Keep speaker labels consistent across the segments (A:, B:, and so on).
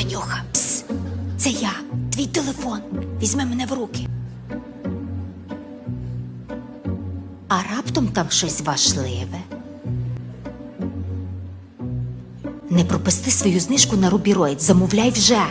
A: Танюха, пс, це я, твій телефон. Візьми мене в руки. А раптом там щось важливе? Не пропусти свою знижку на Рубіроїд, замовляй вже.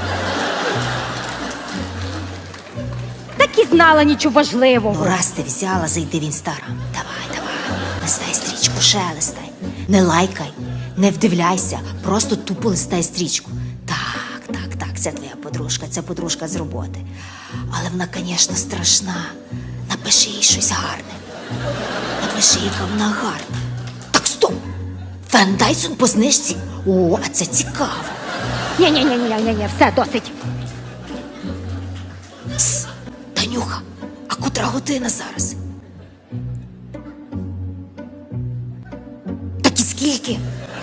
B: Так і знала нічого важливого.
A: Ну, раз ти взяла, зайди в Інстаграм. Давай, листай стрічку, ще листай. Не лайкай, не вдивляйся, просто тупо листай стрічку. Так, це твоя подружка, це подружка з роботи. Але вона, звісно, страшна. Напиши їй щось гарне. Напиши, яка вона гарна. Так, стоп! Фен Дайсон по знижці? О, а це цікаво.
B: Ні, все, досить.
A: Пс, Танюха, а котра година зараз? Так і скільки?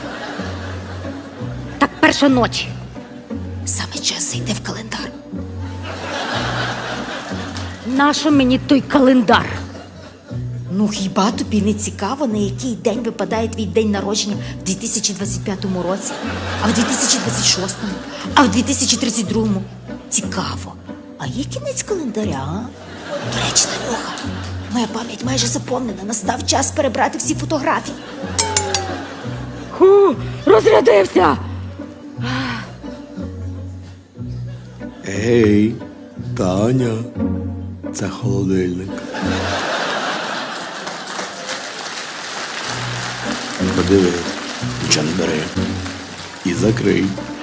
B: Так перша ночі.
A: Саме час зайти в календар.
B: Нащо мені той календар?
A: Ну хіба тобі не цікаво, на який день випадає твій день народження в 2025 році, а в 2026, а в 2032? Цікаво. А є кінець календаря, а? До речі, Танюха, моя пам'ять майже заповнена. Настав час перебрати всі фотографії.
B: Розрядився!
C: Ей, Таня, це холодильник. Подивись, нічого не бери. І закрий.